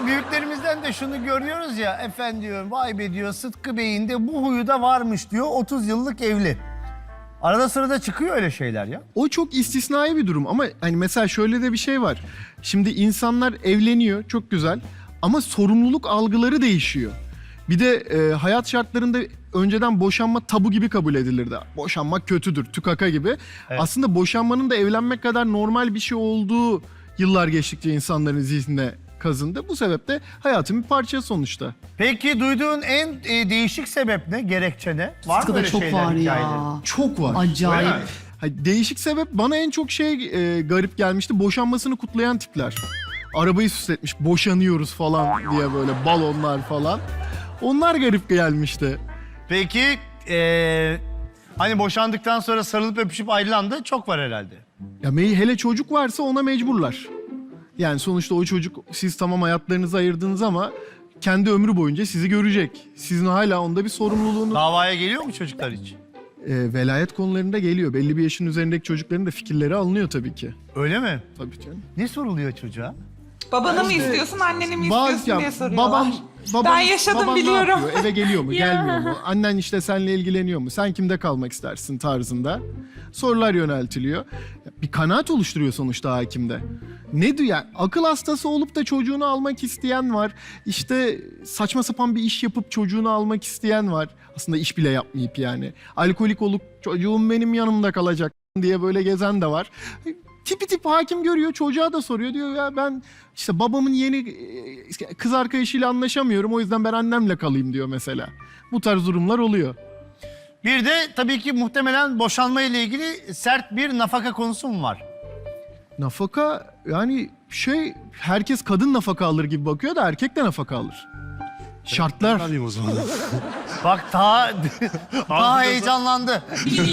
büyüklerimizden de şunu görüyoruz ya, efendim diyor, vay be diyor, Sıtkı Bey'in de bu huyu da varmış diyor, 30 yıllık evli. Arada sırada çıkıyor öyle şeyler ya. O çok istisnai bir durum ama hani mesela şöyle de bir şey var. Şimdi insanlar evleniyor, çok güzel, ama sorumluluk algıları değişiyor. Bir de hayat şartlarında önceden boşanma tabu gibi kabul edilirdi. Boşanmak kötüdür, tükaka gibi. Evet. Aslında boşanmanın da evlenmek kadar normal bir şey olduğu yıllar geçtikçe insanların zihnine kazındı. Bu sebeple hayatın bir parçası sonuçta. Peki duyduğun en değişik sebep ne, gerekçe ne? Var mı Sıtkı'da öyle çok şeyler, var hikayeleri? ya. Çok var. Acayip. Öyle mi? Hayır, değişik sebep bana en çok garip gelmişti. Boşanmasını kutlayan tipler. Arabayı süsletmiş, boşanıyoruz falan diye böyle balonlar falan. Onlar garip gelmişti. Peki hani boşandıktan sonra sarılıp öpüşüp ayrılan da çok var herhalde. Ya hele çocuk varsa ona mecburlar. Yani sonuçta o çocuk, siz tamam hayatlarınızı ayırdınız ama kendi ömrü boyunca sizi görecek. Sizin hala onda bir sorumluluğunuz. Davaya geliyor mu çocuklar hiç? Velayet konularında geliyor. Belli bir yaşın üzerindeki çocukların da fikirleri alınıyor tabii ki. Öyle mi? Tabii canım. Ne soruluyor çocuğa? Babanı mı istiyorsun, anneni mi Bazı- istiyorsun ya, diye soruyorlar. babam Ben yaşadım, baban biliyorum. Ne yapıyor? Eve geliyor mu, Ya. gelmiyor mu? Annen işte seninle ilgileniyor mu? Sen kimde kalmak istersin tarzında sorular yöneltiliyor. Bir kanaat oluşturuyor sonuçta hakimde. Ne diyor? Yani akıl hastası olup da çocuğunu almak isteyen var. İşte saçma sapan bir iş yapıp çocuğunu almak isteyen var. Aslında iş bile yapmayıp yani. Alkolik olup çocuğum benim yanımda kalacak diye böyle gezen de var. Tipi tip hakim görüyor, çocuğa da soruyor. Diyor ya ben işte babamın yeni kız arkadaşıyla anlaşamıyorum, o yüzden ben annemle kalayım diyor mesela. Bu tarz durumlar oluyor. Bir de tabii ki muhtemelen boşanma ile ilgili sert bir nafaka konusu mu var? Nafaka yani herkes kadın nafaka alır gibi bakıyor da erkek de nafaka alır. Şartlar. Alayım o zaman. Bak daha heyecanlandı.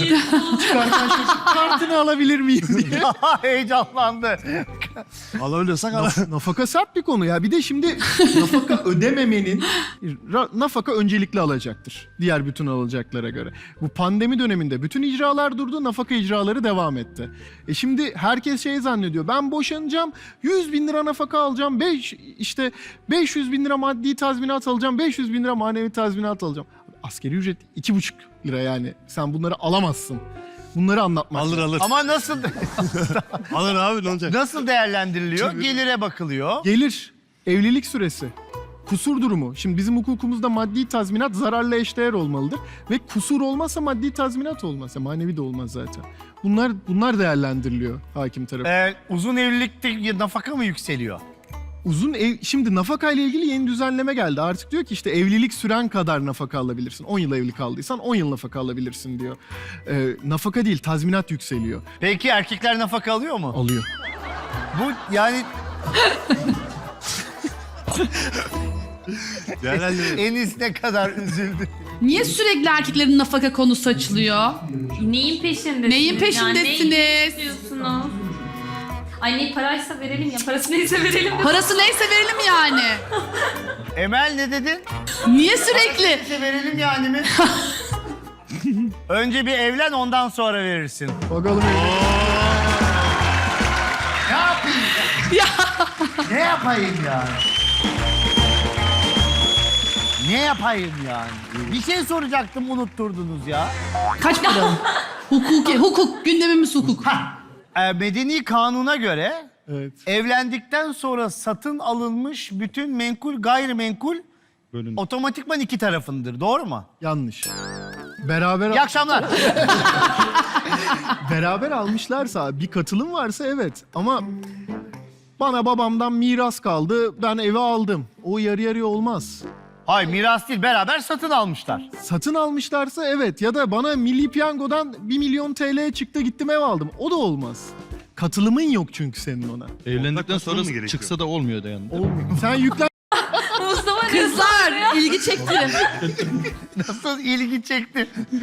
Kartını alabilir miyim diye. Daha heyecanlandı. Alabiliyorsak al. Nafaka sert bir konu ya. Bir de şimdi nafaka ödememenin nafaka öncelikli alacaktır. Diğer bütün alacaklara göre. Bu pandemi döneminde bütün icralar durdu, nafaka icraları devam etti. Şimdi herkes zannediyor. Ben boşanacağım, 100 bin lira nafaka alacağım, 500 bin lira maddi tazminat alacağım, 500 bin lira manevi tazminat alacağım. Asgari ücret 2,5 lira yani. Sen bunları alamazsın. Bunları anlatmak. Alır. Ama nasıl Alır abi, ne olacak? nasıl değerlendiriliyor? Gelire bakılıyor. Gelir, evlilik süresi, kusur durumu. Şimdi bizim hukukumuzda maddi tazminat zararla eşdeğer olmalıdır. Ve kusur olmazsa maddi tazminat olmaz. Manevi de olmaz zaten. Bunlar değerlendiriliyor hakim tarafından. Uzun evlilikte nafaka mı yükseliyor? Şimdi nafaka ile ilgili yeni düzenleme geldi. Artık diyor ki işte evlilik süren kadar nafaka alabilirsin. 10 yıl evli kaldıysan 10 yıl nafaka alabilirsin diyor. Nafaka değil, tazminat yükseliyor. Peki erkekler nafaka alıyor mu? Alıyor. Bu yani Değerlendirelim. Enis ne kadar üzüldü. Niye sürekli erkeklerin nafaka konusu açılıyor? Neyin peşindesiniz? Neyin peşindesiniz? Yani neyi istiyorsunuz? Ay ne paraysa verelim ya. Parası neyse verelim. Parası neyse verelim yani. Emel ne dedin? Niye sürekli? Neyse verelim yani mi? Önce bir evlen, ondan sonra verirsin. Bakalım Ne yapayım ya? Ne yapayım yani? Ne yapayım yani? Bir şey soracaktım, unutturdunuz ya. Kaç para? Hukuk. Gündemimiz hukuk. Medeni kanuna göre Evet. evlendikten sonra satın alınmış bütün menkul gayrimenkul otomatikman iki tarafındır. Doğru mu? Yanlış. İyi akşamlar. Beraber almışlarsa, bir katılım varsa evet. Ama bana babamdan miras kaldı, ben eve aldım. O yarı yarıya olmaz. Hayır, miras değil, beraber satın almışlar. Satın almışlarsa evet, ya da bana Milli Piyango'dan 1 milyon TL çıktı, gittim ev aldım. O da olmaz. Katılımın yok çünkü senin ona. Evlendikten sonra katılım mı gerekiyor? çıksa da olmuyor da yani. Olmuyor. Sen yüklen... Mustafa Kızlar ilgi çekti. Nasıl ilgi çekti.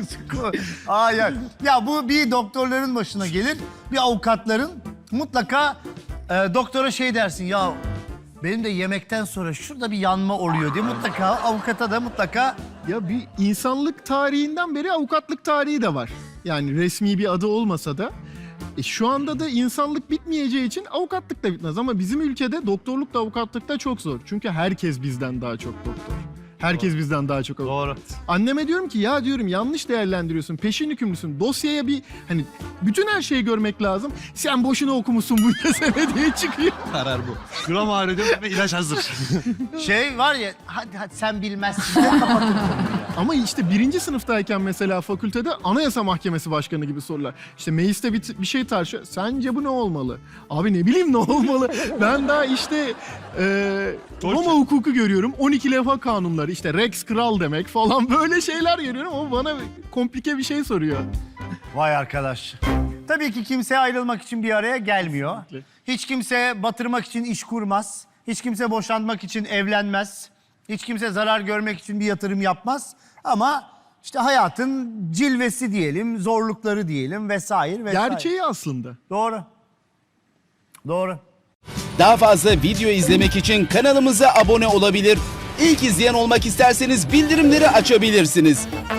Ya bu bir doktorların başına gelir, bir avukatların mutlaka doktora dersin ya, benim de yemekten sonra şurada bir yanma oluyor diye mutlaka avukata da mutlaka Ya bir insanlık tarihinden beri avukatlık tarihi de var. Yani resmi bir adı olmasa da Şu anda da insanlık bitmeyeceği için avukatlık da bitmez. Ama bizim ülkede doktorluk da avukatlık da çok zor. Çünkü herkes bizden daha çok doktor. Herkes bizden daha çok avukat. Doğru. Anneme diyorum ki ya diyorum yanlış değerlendiriyorsun. Peşin hükümlüsün. Dosyaya bir hani bütün her şeyi görmek lazım. Sen boşuna okumuşsun bu sene diye çıkıyor. Karar bu. Gram ağrıyor ve ilaç hazır. Şey var ya, hadi sen bilmezsin. Ben kapatırım. Ama işte 1. sınıftayken mesela fakültede Anayasa Mahkemesi Başkanı gibi sorular. İşte mecliste bir şey tartışıyor. Sence bu ne olmalı? Abi ne bileyim ne olmalı? Ben daha işte Roma hukuku görüyorum. 12 levha kanunları. İşte Rex kral demek falan böyle şeyler görüyorum. O bana komplike bir şey soruyor. Vay arkadaş. Tabii ki kimse ayrılmak için bir araya gelmiyor. Hiç kimse batırmak için iş kurmaz. Hiç kimse boşanmak için evlenmez. Hiç kimse zarar görmek için bir yatırım yapmaz. Ama işte hayatın cilvesi diyelim, zorlukları diyelim vesaire vesaire. Gerçeği aslında. Doğru. Doğru. Daha fazla video izlemek için kanalımıza abone olabilir. İlk izleyen olmak isterseniz bildirimleri açabilirsiniz.